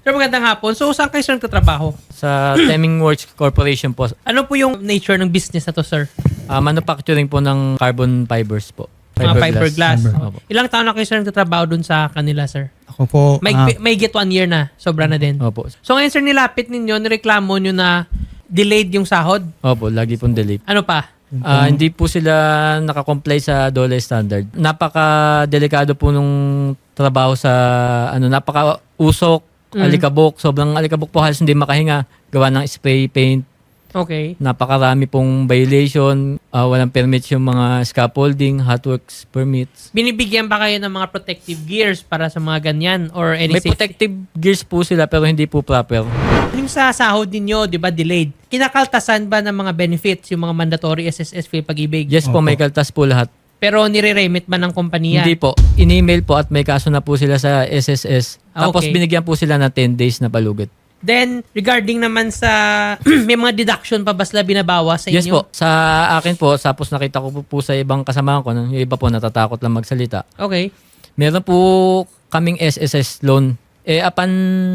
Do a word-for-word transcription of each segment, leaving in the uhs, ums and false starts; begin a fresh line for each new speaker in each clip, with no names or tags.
Sir, magandang hapon. So, saan kayo sir nagtatrabaho?
Sa Teming Works Corporation po.
Ano po yung nature ng business na to, sir?
Ah, manufacturing po ng carbon fibers po.
Mga fiberglass.
Opo.
Ilang taon na kayo sir nagtatrabaho dun sa kanila, sir?
Ako po,
May,
ah,
may get one year na. Sobra na din.
Opo.
So, ngayon sir, nilapit ninyo, nireklamo nyo na delayed yung sahod.
Opo, lagi pong delay.
Ano pa?
Ah, hindi po sila nakakomply sa D O L E standard. Napaka-delikado po nung trabaho sa ano, napaka-usok,
Mm.
alikabok, sobrang alikabok po, halos hindi makahinga, gawa ng spray paint.
Okay.
Napakarami pong violation, ah, walang permits yung mga scaffolding, hot works permits.
Binibigyan ba kayo ng mga protective gears para sa mga ganyan? Or any
May
safety?
protective gears po sila pero hindi po proper.
Yung sa sahod ninyo, di ba, delayed? Kinakaltasan ba ng mga benefits, yung mga mandatory S S S, pag-ibig?
Yes po,
Opo.
may kaltas po lahat.
Pero nire-remit ba ng kompanya?
Hindi po. In-email po at may kaso na po sila sa S S S.
Ah,
Tapos
okay.
binigyan po sila ng ten days na palugit.
Then, regarding naman sa, may mga deduction pa ba sila binabawas sa inyo?
Yes po. Sa akin po, tapos nakita ko po, po sa ibang kasama ko, yung iba po natatakot lang magsalita.
Okay.
Meron po kaming S S S loan. Eh, apan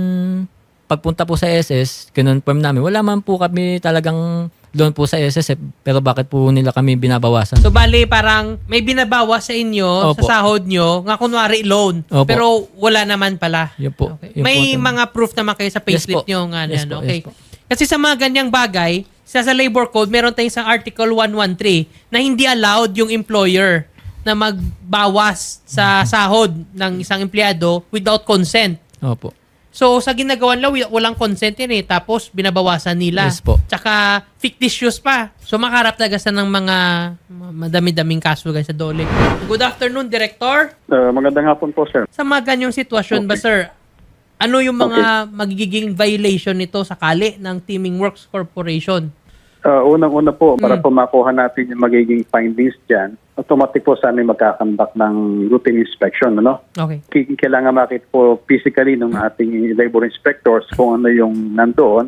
pagpunta po sa S S, kinonfirm namin, wala man po kami talagang loan po sa S S S, pero bakit po nila kami binabawasan?
So, bali, parang may binabawas sa inyo,
Opo.
sa sahod nyo, nga kunwari loan.
Opo.
Pero wala naman pala.
Yun po.
Okay.
Yun
May
po.
mga proof naman kayo sa
Yes
payslip
po.
nyo. Nga,
Yes
ano,
po,
okay.
yes po.
Kasi sa mga ganyang bagay, sa, sa labor code, meron tayong sa Article one thirteen na hindi allowed yung employer na magbawas sa sahod ng isang empleyado without consent.
Opo.
So, sa ginagawan lang, walang consent yan eh. Tapos, binabawasan nila.
Yes po.
Tsaka, fictitious pa. So, makarap talaga sa ng mga madami-daming kaso guys sa D O L E. Good afternoon, Director.
Uh, magandang hapon po, sir.
Sa mga ganyang sitwasyon ba, sir, ano yung mga magiging violation nito sakali ng Teaming Works Corporation?
Uh, unang-una po, para
Mm.
po makuha natin yung magiging findings dyan, automatic po sa amin magkakandak ng routine inspection. Ano?
Okay.
K- Kailangan makita po physically ng ating labor inspectors kung ano yung nandoon.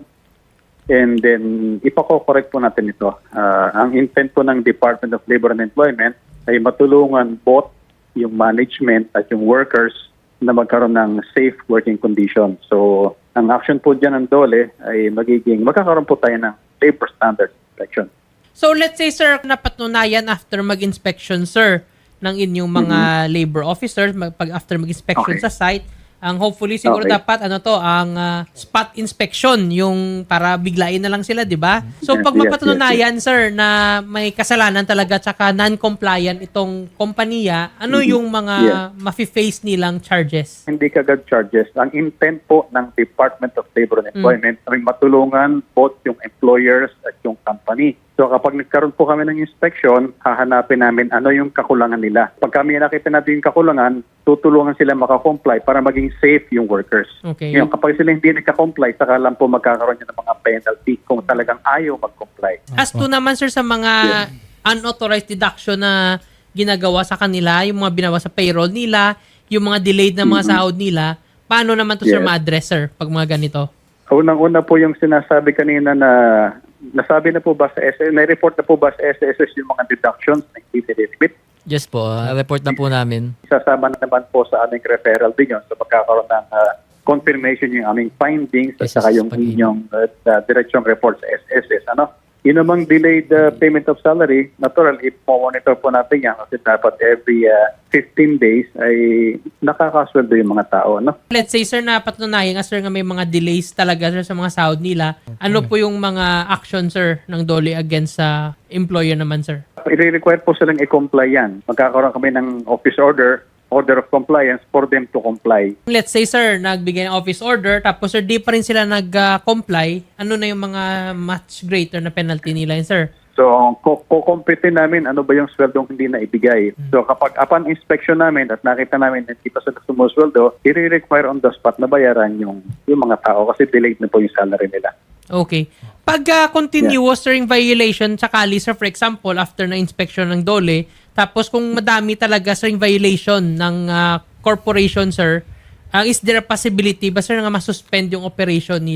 And then, ipako-correct po natin ito. Uh, ang intent po ng Department of Labor and Employment ay matulungan both yung management at yung workers na magkaroon ng safe working condition. So, ang action po dyan ng D O L E ay magiging, magkakaroon po tayo ng labor standard inspection.
So, let's say, sir, napatunayan after mag-inspection, sir, ng inyong mga labor officers, mag- pag after mag-inspection
Okay.
sa site, ang hopefully siguro
Okay.
dapat ano to, ang ah, spot inspection, yung para biglain na lang sila, di ba? So
Yes,
pag
yes,
mapatunayan, sir, na may kasalanan talaga tsaka non-compliant itong kompanya, ano yung mga
Yeah.
mafi-face nilang charges?
Hindi kagad charges. Ang intent po ng Department of Labor and Employment ay matulungan both yung employers at yung company. So kapag nagkaroon po kami ng inspection, hahanapin namin ano yung kakulangan nila. Pag kami nakita natin yung kakulangan, tutulungan sila makakomply para maging safe yung workers.
Okay.
Ngayon, kapag sila hindi nagka-comply, saka lang po magkakaroon yun ng mga penalty kung talagang ayaw mag-comply.
As to naman, sir, sa mga unauthorized deduction na ginagawa sa kanila, yung mga binawa sa payroll nila, yung mga delayed na mga sahod nila, paano naman to, sir,
Yes.
ma-address, sir, pag mga ganito?
Unang-una po yung sinasabi kanina na nasabi na po ba sa S S S, na-report na po ba sa S S S yung mga deductions na hindi nililimit?
Yes po. ah, report na po namin.
Sasama na naman po sa aming referral din yun. So magkakaroon ng ah, confirmation yung aming findings at
S S S
saka yung
pag-email.
inyong uh, diretsong report sa S S S. Ano? Yun namang delayed uh, payment of salary, natural, i-monitor po natin yan kasi dapat every uh, fifteen days ay nakakasweldo yung mga tao. Ano?
Let's say, sir, na patunayan nga, sir, nga may mga delays talaga, sir, sa mga sahod nila. Ano po yung mga action, sir, ng D O L E against sa employer naman, sir?
I-require po silang i-comply yan. Magkakaroon kami ng office order, order of compliance for them to comply.
Let's say, sir, nagbigay ng office order, tapos, sir, di pa rin sila nag-comply. Ano na yung mga much greater na penalty nila, yun, sir?
So, kukumpitin namin ano ba yung sweldong hindi na ibigay. So, kapag upon inspection namin at nakita namin na hindi pa sila sumusweldo, i-require on the spot na bayaran yung, yung mga tao kasi delayed na po yung salary nila.
Okay. Pag uh, continuous sir, yung violation sakali, sir, for example, after na inspection ng D O L E, tapos kung madami talaga sir yung violation ng uh, corporation, sir, uh, is there a possibility ba, sir, na masuspend yung operation nila?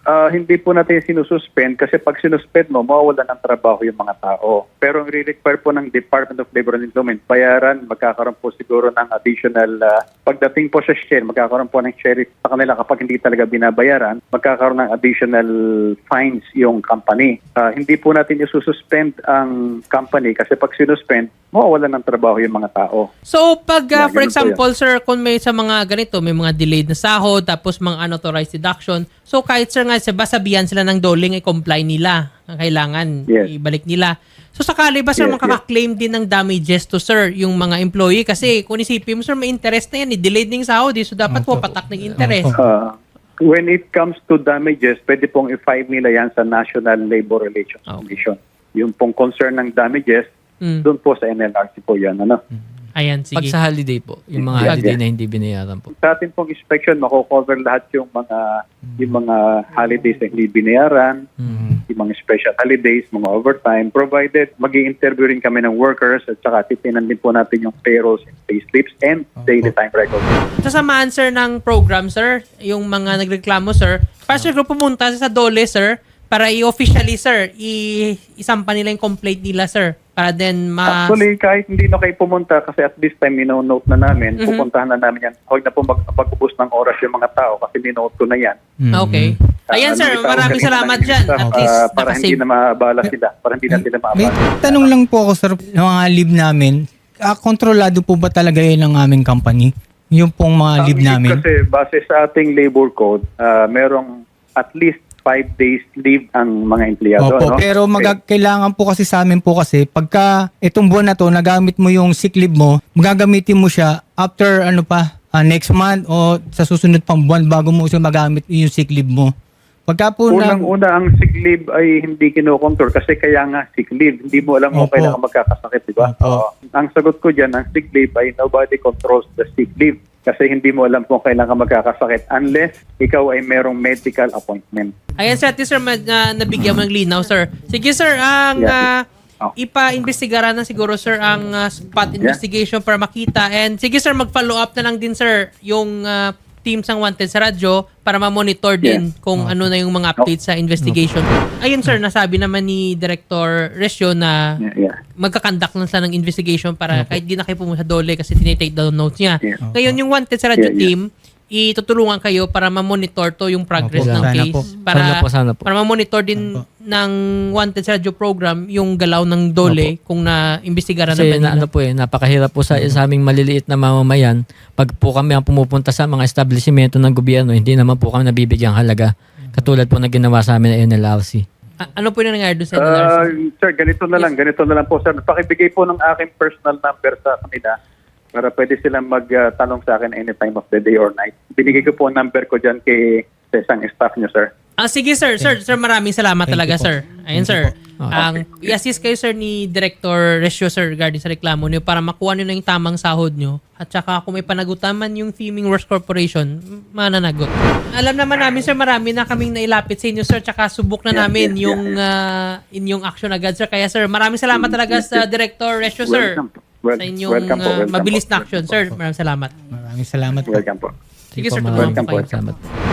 Ah, hindi po natin sinususpend kasi pag sinuspend mo, mawawala ng trabaho yung mga tao. Pero ang re-require po ng Department of Labor and Employment, bayaran, magkakaroon po siguro ng additional, ah, pagdating po sa share, magkakaroon po ng share sa kanila kapag hindi talaga binabayaran, magkakaroon ng additional fines yung company. Ah, hindi po natin isususpend ang company kasi pag sinuspend, mawawala ng trabaho yung mga tao.
So, pag, uh,
Yeah,
for
ganun po
example, sir, kung may sa mga ganito, may mga delayed na sahod, tapos mga unauthorized deduction, so kahit, sir, nga, sabihan sila ng doling, i-comply nila. Ang kailangan,
Yes.
ibalik nila. So, sakali ba, sir,
Yes,
makaka-claim din ng damages to, sir, yung mga employee? Kasi, kung isipin mo, sir, may interest na yan, eh, delayed ng sahod, eh, so dapat
Opo.
wapatak ng interest.
Opo.
Ah, when it comes to damages, pwede pong i-file nila yan sa National Labor Relations
Okay.
Commission. Yung pong concern ng damages,
Mm.
doon po sa N L R C po yan. Ano?
Ayan,
Pag
sige.
sa holiday po, yung mga
Yeah,
holiday
yeah.
na hindi binayaran po.
Sa atin pong inspection, mako-cover lahat yung mga yung mga holidays na hindi binayaran,
Mhm.
yung mga special holidays, mga overtime, provided mag-i-interview rin kami ng workers at saka titinan din po natin yung payrolls and payslips and daily time records.
Sasamaan, sir, ng program, sir, yung mga nagreklamo, sir, para, sir, kung pumunta sa Dole, sir, para i-officially, sir, i- isampa nila yung complaint nila, sir, para then ma...
Actually, kahit hindi na kayo pumunta kasi at this time, mino-note na namin,
Mhm.
pupuntahan na namin yan. Huwag na po mag- mag-ubos ng oras yung mga tao kasi minote ko na yan.
Mhm.
Okay. Ayan,
Ah,
sir,
ano,
maraming
itawag
salamat
kanina
dyan.
ng
At
staff,
least,
ah, para hindi
nakasave.
na maabala sila. Para hindi na sila
May
maabala.
tanong lang po ako, sir, ng mga leave namin. Ah, kontrolado po ba talaga yun ng aming company? Yung pong mga
Ang
leave
leave
namin?
Kasi base sa ating labor code, ah, merong at least five days leave ang mga empleyado.
Opo,
no?
pero mag- kailangan po kasi sa amin po kasi pagka itong buwan na to, nagamit mo yung sick leave mo, magagamitin mo siya after ano pa, ah, next month o sa susunod pang buwan bago mo siya magamit yung sick leave mo. Pagka po na...
Unang-una, ang sick leave ay hindi kinokontrol kasi kaya nga sick leave. Hindi mo alam kung
Opo.
kailan ka magkakasakit, di ba?
Opo.
Oo. Ang sagot ko dyan, ang sick leave ay nobody controls the sick leave kasi hindi mo alam kung kailan ka magkakasakit unless ikaw ay merong medical appointment.
Ayan, sir, at least, sir, ma- na, nabigyan mo ng linaw, sir. Sige, sir, ang
Yeah.
ah,
Oh.
ipa-investigara na siguro, sir, ang ah, spot investigation para makita. And sige, sir, mag-follow up na lang din, sir, yung ah, team sang Wanted sa radyo para ma-monitor din
Yeah.
kung ano na yung mga updates sa investigation. Ayun, sir, nasabi naman ni Director Resio na
Yeah, yeah.
magkakandak lang sila ng investigation para kahit di na kayo pumunta sa Dole kasi tinitake down notes niya.
Yeah.
Ngayon, yung Wanted sa radyo
Yeah, yeah.
team, itutulungan kayo para ma-monitor to yung progress
Opo,
ng
sana
case.
po.
Para,
Sana po, sana po.
para ma-monitor din ng Wanted sa radyo program yung galaw ng Dole kung na-imbestigaran na ba
Kasi
nila.
na, ano po eh, napakahirap po sa, sa aming maliliit na mamamayan. Pag po kami ang pumupunta sa mga establishmento ng gobyerno, hindi naman po kami nabibigyang halaga. Katulad po na ginawa sa amin ng N L R C.
A- ano po yung nangyari doon sa N L R C?
Uh, sir, ganito na lang, ganito na lang po, sir. Pakibigay po ng aking personal number sa kanila para pwede silang magtanong sa akin any time of the day or night. Binigay ko po ang number ko dyan kay sa isang staff nyo, sir.
Ah, sige, sir. Sir, sir, maraming salamat
Thank
talaga,
you po.
sir. Ayun, sir.
Okay.
Ang i-assist kayo, sir, ni Director Resio, sir, regarding sa reklamo niyo para makuha niyo na yung tamang sahod niyo. At saka kung may panagutaman yung Theming Works Corporation, mananagot. Alam naman namin, sir, marami na kaming nailapit sa inyo, sir. Tsaka subok na
Yeah,
namin
yeah,
yung ah, inyong action agad, sir. Kaya, sir, maraming salamat talaga sa Director Resio, sir.
Welcome po. Wel-
Sa inyong
welcome po,
ah,
welcome
mabilis
po.
na action, sir. Maraming salamat.
Maraming salamat po.
Welcome po.
Sige,
po,
sir,
maraming
tutulungan po kayo.
salamat.